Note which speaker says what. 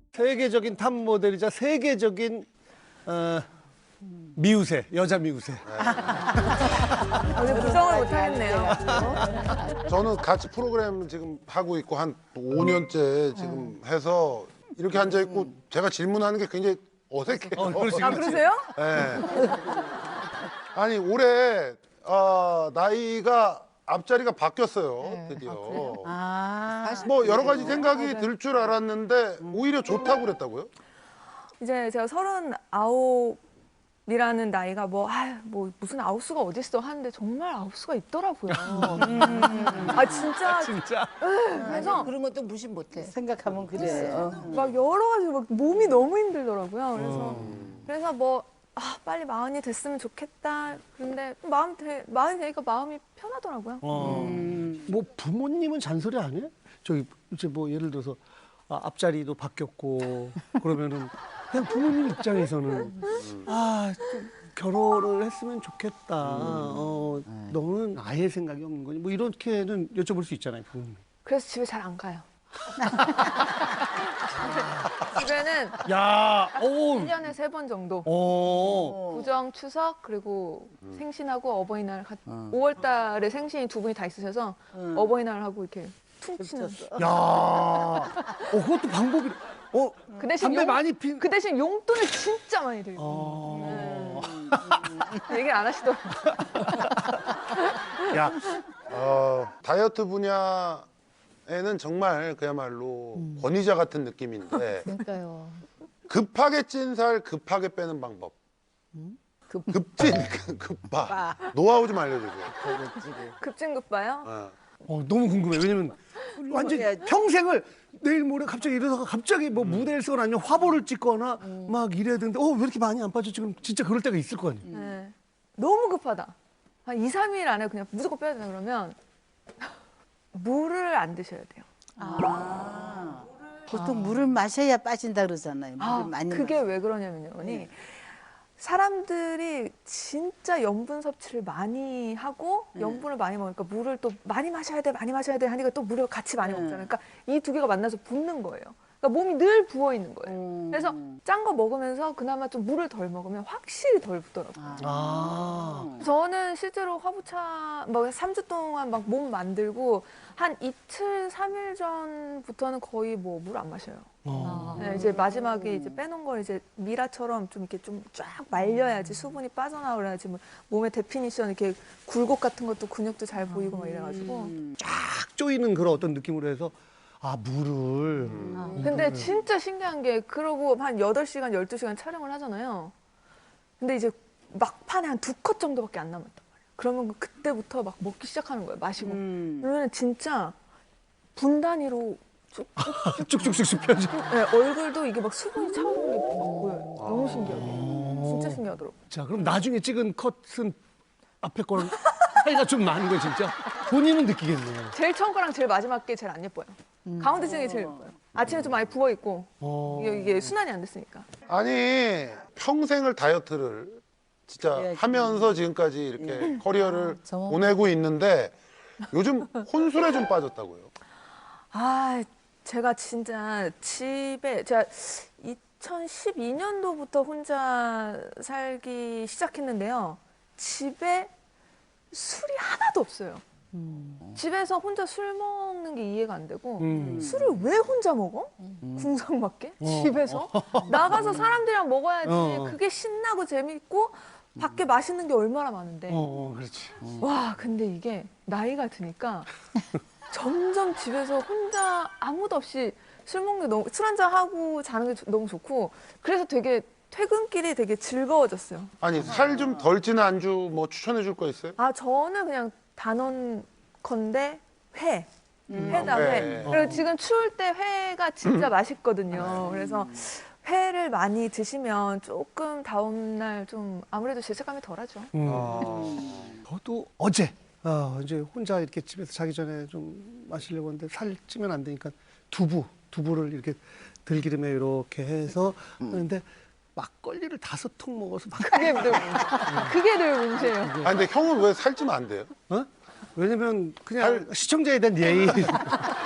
Speaker 1: 세계적인 탑 모델이자 세계적인 미우새, 여자 미우새.
Speaker 2: 부정을 못 하겠네요.
Speaker 3: 저는 같이 프로그램 지금 하고 있고 한 5년째 지금 해서 이렇게 앉아 있고 제가 질문하는 게 굉장히 어색해요.
Speaker 2: 아, 그러세요?
Speaker 3: 네. 아니 올해 나이가 앞자리가 바뀌었어요. 드디어. 뭐 여러 가지 생각이 들 줄 알았는데 오히려 좋다고 그랬다고요?
Speaker 2: 이제 제가 39이라는 나이가 뭐 무슨 아홉수가 어딨어 하는데 정말 아홉수가 있더라고요. 아 진짜.
Speaker 1: 진짜?
Speaker 2: 그래서
Speaker 4: 그런 것도 무시 못해.
Speaker 5: 생각하면 그래.
Speaker 2: 막 여러 가지 막 몸이 너무 힘들더라고요. 그래서 뭐 빨리 마흔이 됐으면 좋겠다. 그런데 마흔이 되니까 마음이 편하더라고요.
Speaker 1: 뭐 부모님은 잔소리 안 해? 저기 이제 뭐 예를 들어서 앞자리도 바뀌었고 그러면은 그냥 부모님 입장에서는 좀 결혼을 했으면 좋겠다. 너는 아예 생각이 없는 거니? 뭐 이렇게는 여쭤볼 수 있잖아요, 부모님.
Speaker 2: 그래서 집에 잘 안 가요. 집에는
Speaker 1: 야,
Speaker 2: 1년에 3번 정도. 구정, 추석, 그리고 생신하고 어버이날 5월 달에 생신이 두 분이 다 있으셔서 어버이날하고 이렇게 퉁 치는.
Speaker 1: 야, 그것도 방법이.
Speaker 2: 그 대신
Speaker 1: 담배 많이 핀.
Speaker 2: 그 대신 용돈을 진짜 많이 들고. 얘기를 안 하시더라고요.
Speaker 1: 야,
Speaker 3: 다이어트 분야에는 정말 그야말로 권위자 같은 느낌인데
Speaker 4: 그러니까요.
Speaker 3: 급하게 찐 살 급하게 빼는 방법. 급진 급바. 노하우 좀 알려주세요.
Speaker 2: 급진급바요?
Speaker 1: 너무 궁금해. 왜냐면 완전 평생을 내일 모레 갑자기 일어나서 갑자기 뭐 무대를 쓰거나 아니면 화보를 찍거나 막 이래야 되는데 왜 이렇게 많이 안 빠져? 지금 진짜 그럴 때가 있을 거 아니에요.
Speaker 2: 네. 너무 급하다. 한 2, 3일 안에 그냥 무조건 빼야 된다 그러면 물을 안 드셔야 돼요.
Speaker 5: 보통 물을 마셔야 빠진다 그러잖아요. 물을 많이
Speaker 2: 그게 왜 그러냐면요. 사람들이 진짜 염분 섭취를 많이 하고 염분을 많이 먹으니까 물을 또 많이 마셔야 돼 하니까 또 물을 같이 많이 먹잖아요. 그러니까 이 두 개가 만나서 붓는 거예요. 그러니까 몸이 늘 부어 있는 거예요. 그래서 짠 거 먹으면서 그나마 좀 물을 덜 먹으면 확실히 덜 붓더라고요. 저는 실제로 화보차 막 3주 동안 막 몸 만들고 한 이틀, 3일 전부터는 거의 뭐 물 안 마셔요. 네, 이제 마지막에 이제 빼놓은 걸 이제 미라처럼 좀 이렇게 좀 쫙 말려야지 수분이 빠져나오려야지 뭐 몸의 데피니션 이렇게 굴곡 같은 것도 근육도 잘 보이고 막 이래가지고
Speaker 1: 쫙 조이는 그런 어떤 느낌으로 해서 물을.
Speaker 2: 근데 진짜 신기한 게 그러고 한 8시간, 12시간 촬영을 하잖아요. 근데 이제 막판에 한 2컷 정도밖에 안 남았단 말이에요. 그러면 그때부터 막 먹기 시작하는 거예요. 마시고. 그러면 진짜 분 단위로
Speaker 1: 쭉쭉쭉쭉 펴져.
Speaker 2: 네, 얼굴도 이게 막 수분이 차오르는 게 막 보여요. 너무 신기하더라고요. 진짜 신기하더라고요.
Speaker 1: 자, 그럼 나중에 찍은 컷은 앞에 거랑 차이가 좀 나는 거예요, 진짜? 본인은 느끼겠네요.
Speaker 2: 제일 처음 거랑 제일 마지막 게 제일 안 예뻐요. 가운데 찍은 게 제일 예뻐요. 아침에 좀 많이 부어있고 이게 순환이 안 됐으니까.
Speaker 3: 아니 평생을 다이어트를 진짜 하면서 지금까지 이렇게 커리어를 보내고 있는데 요즘 혼술에 좀 빠졌다고요?
Speaker 2: 제가 진짜 제가 2012년도부터 혼자 살기 시작했는데요. 집에 술이 하나도 없어요. 집에서 혼자 술 먹는 게 이해가 안 되고 술을 왜 혼자 먹어? 궁상맞게? 집에서? 나가서 사람들이랑 먹어야지. 그게 신나고 재밌고 밖에 맛있는 게 얼마나 많은데.
Speaker 1: 그렇지.
Speaker 2: 와, 근데 이게 나이가 드니까 점점 집에서 혼자 아무도 없이 술 먹는 게 술 한잔 하고 자는 게 너무 좋고 그래서 되게 퇴근길이 되게 즐거워졌어요.
Speaker 3: 아니 살 좀 덜 찌는 안주 뭐 추천해 줄 거 있어요?
Speaker 2: 저는 그냥 단언 건데 회다
Speaker 3: 회.
Speaker 2: 회. 그리고 지금 추울 때 회가 진짜 맛있거든요. 그래서 회를 많이 드시면 조금 다음날 좀 아무래도 죄책감이 덜하죠.
Speaker 1: 저도 어제 이제 혼자 이렇게 집에서 자기 전에 좀 마시려고 하는데 살 찌면 안 되니까 두부를 이렇게 들기름에 이렇게 해서 하는데 막걸리를 5통 먹어서
Speaker 2: 그게 늘 문제예요.
Speaker 3: 근데 형은 왜 살찌면 안 돼요?
Speaker 1: 왜냐면 그냥 시청자에 대한 예의.